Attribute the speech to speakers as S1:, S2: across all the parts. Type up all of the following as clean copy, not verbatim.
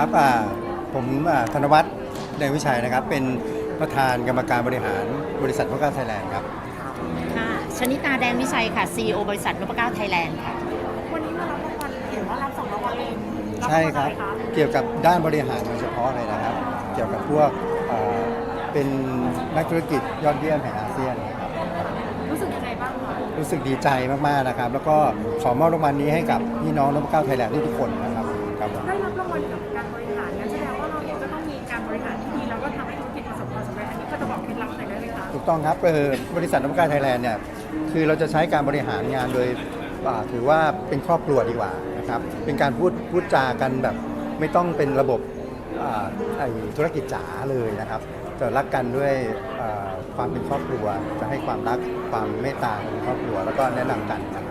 S1: ครับผมธนวัฒน์เดชวิชัยนะครับเป็นประธานกรรมการบริหารบริษัทนพเก้าไทยแลนด์ครับ
S2: ค่ะชนิตาแดงวิชัยค่ะ CEO บริษัทนพเก้าไทยแลนด์ค่ะ
S3: วันนี้มารับรางวัลเห็นว่ารับ2 รางวัลเอง
S1: ใช่ครับเกี่ยวกับด้านบริหารโดยเฉพาะเลยนะครับเกี่ยวกับพวกเป็นนักธุรกิจยอดเยี่ยมแห่งอาเซียนครับ
S3: รู้สึกยังไงบ้างคะ
S1: รู้สึกดีใจมากๆนะครับแล้วก็ขอมอบรางวัลนี้ให้กับพี่น้องนพเก้าไทยแลนด์ทุกคนนะครับครับ
S3: ได้รับรางวัลเกี่ยวกับการบริหารงั้นแสดงว่าเราเองก็ต้องมีการบริหารที่ดีแล้วก็ทำให้ธุรกิจประสบความสำเร็จอันนี้ก็จะบอกเคล็ดลับหน่อยได้ไหมคะ
S1: ถูกต้องครับบริษัทนพเก้าไทยแลนด์เนี่ยคือเราจะใช้การบริหารงานโดยถือว่าเป็นครอบครัวดีกว่านะครับเป็นการพูดจากันแบบไม่ต้องเป็นระบบธุรกิจจ๋าเลยนะครับจะรักกันด้วยความเป็นครอบครัวจะให้ความรักความเมตตาในครอบครัวแล้วก็แนะนำกันนะครับ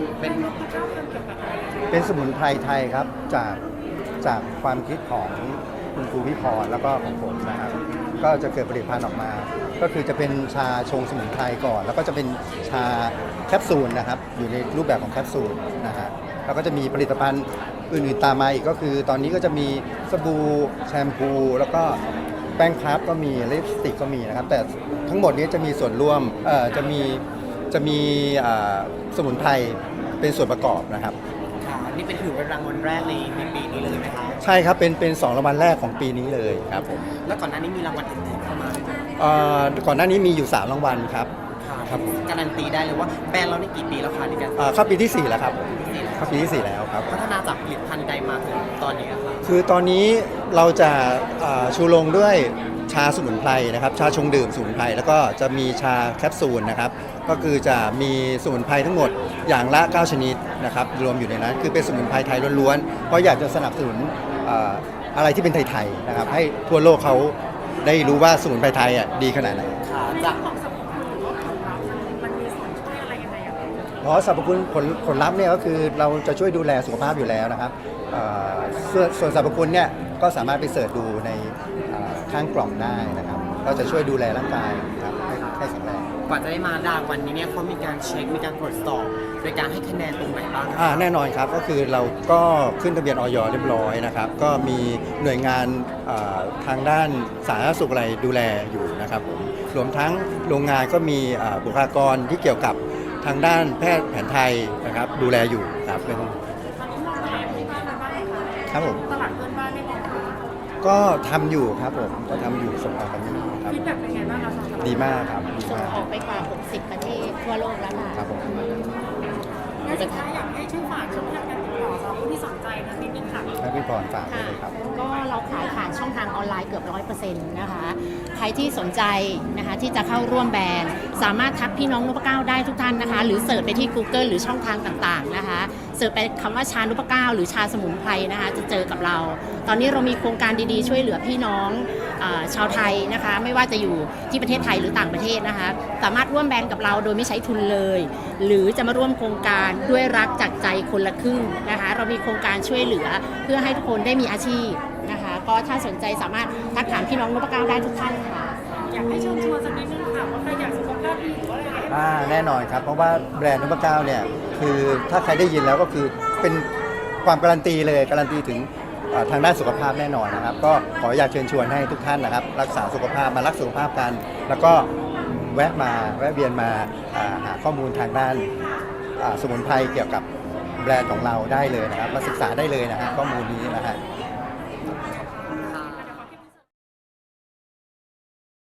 S1: เป็นสมุนไพรไทยครับจากความคิดของคุณครูวิพรแล้วก็ของผมนะครับก็จะเกิดผลิตภัณฑ์ออกมาก็คือจะเป็นชาชงสมุนไพรก่อนแล้วก็จะเป็นชาแคปซูลนะครับอยู่ในรูปแบบของแคปซูลนะฮะแล้วก็จะมีผลิตภัณฑ์อื่นๆตามมาอีกก็คือตอนนี้ก็จะมีสบู่แชมพูแล้วก็แป้งพับก็มีลิปสติกก็มีนะครับแต่ทั้งหมดนี้จะมีส่วนร่วมจะมีสมุนไพรเป็นส่วนประกอบนะครับ
S4: นี่เป็นถือเป็นรางวัลแรกในปีนี้เลยไหมครับ
S1: ใช่ครับเป็น2 รางวัลแรกของปีนี้เลยครับผม
S4: แล้วก่อนหน้านี้มีรางวัลอื่นๆเข้ามาไหม
S1: ก่อนหน้านี้มีอยู่3 รางวัลครับ
S4: ครับการันตีได้เลยว่าแบรนด์เราได้กี่ปีแล้วคะในการ
S1: เข้าปีที่4แล้วครับเข้าปีที่4แล้วครับ
S4: พัฒนาจากผลิตภัณฑ์ใดมาถึงตอนนี้ครับ
S1: คือตอนนี้เราจะชูโรงด้วยชาสมุนไพรนะครับชาชงดื่มสมุนไพรแล้วก็จะมีชาแคปซูลนะครับก็คือจะมีสมุนไพรทั้งหมดอย่างละ9 ชนิดนะครับรวมอยู่ในนั้นคือเป็นสมุนไพรไทยล้วนๆเพราะอยากจะสนับสนุนอะไรที่เป็นไทยๆนะครับให้ทั่วโลกเขาได้รู้ว่าสมุนไพรไทยดีขนาดไหน
S3: จากของสมุนไพรหรือว่าผลลัพธ์มันมีส่วนช่วยอะไรยังไงอะ
S1: เพราะสรรพคุณผลลัพธ์เนี่ยก็คือเราจะช่วยดูแลสุขภาพอยู่แล้วนะครับส่วนสรรพคุณเนี่ยก็สามารถไปเสิร์ชดูในข้างกล่องได้นะครับก็จะช่วยดูแลร่างกายครับให้แข็งแรง
S4: กว่าจะได้มารางวัลนี้เนี่ยเขามีการเช็คมีการตรวจสอบโดยการให้คะแนนตรงไหนบ้าง
S1: แน่นอนครับก็คือเราก็ขึ้นทะเบียนอย.เรียบร้อยนะครับก็มีหน่วยงานทางด้านสาธารณสุขอะไรดูแลอยู่นะครับผมรวมทั้งโรงงานก็มีบุคลากรที่เกี่ยวกับทางด้านแพทย์แผนไทยนะครับดูแลอยู่ครับเป็นครับผม
S3: ตลาดเพื่อนบ้านได้มอง
S1: ก็ทำอยู่ครับผมก็ทำอยู่ส่งออกกันอยู่ครับ
S3: ฟีดแบ็กเป็นไงบ้างคะ
S1: ดีมากครับดี
S2: ส่ง
S1: มาก
S2: ออกไปกว่า60 ประเทศทั่วโลกแล้วค่ะ
S1: ครับผม
S3: งั้นสุดท้ายอยากให้ช่วยฝากช่องทางการติดต่อสำหรับผู้ที่สนใจนะนิดนึงค่ะ
S1: ให้พี่พรฝากเลยครับ
S2: ก็เราขายผ่านช่องทางออนไลน์เกือบ 100% นะคะใครที่สนใจนะคะที่จะเข้าร่วมแบรนด์สามารถทักพี่น้องนพเก้าได้ทุกท่านนะคะหรือเสิร์ชไปที่ Google หรือช่องทางต่างๆนะคะเสิร์ชไปคำว่าชานพเก้าหรือชาสมุนไพรนะคะจะเจอกับเราตอนนี้เรามีโครงการดีๆช่วยเหลือพี่น้องชาวไทยนะคะไม่ว่าจะอยู่ที่ประเทศไทยหรือต่างประเทศนะคะสามารถร่วมแบรนด์กับเราโดยไม่ใช้ทุนเลยหรือจะมาร่วมโครงการด้วยรักจากใจคนละครึ่งนะคะเรามีโครงการช่วยเหลือเพื่อให้ทุกคนได้มีอาชีพนะคะก็ถ้าสนใจสามารถทักถามพี่น้องนพเก้าได้ทุกท่านค่ะ
S3: อยากให้เชิญชวนสักนิดนึงค่ะว่าใครอยากสุขภาพดีหรือว่าอะไร
S1: แน่นอนครับเพราะว่าแบรนด์นพเก้าเนี่ยคือถ้าใครได้ยินแล้วก็คือเป็นความการันตีเลยการันตีถึงทางด้านสุขภาพแน่นอนนะครับก็ขออยากเชิญชวนให้ทุกท่านนะครับรักษาสุขภาพมารักสุขภาพกันแล้วก็แวะเวียนมาหาข้อมูลทางด้านสมุนไพรเกี่ยวกับแบรนด์ของเราได้เลยนะครับมาศึกษาได้เลยนะฮะข้อมูลนี้นะฮะ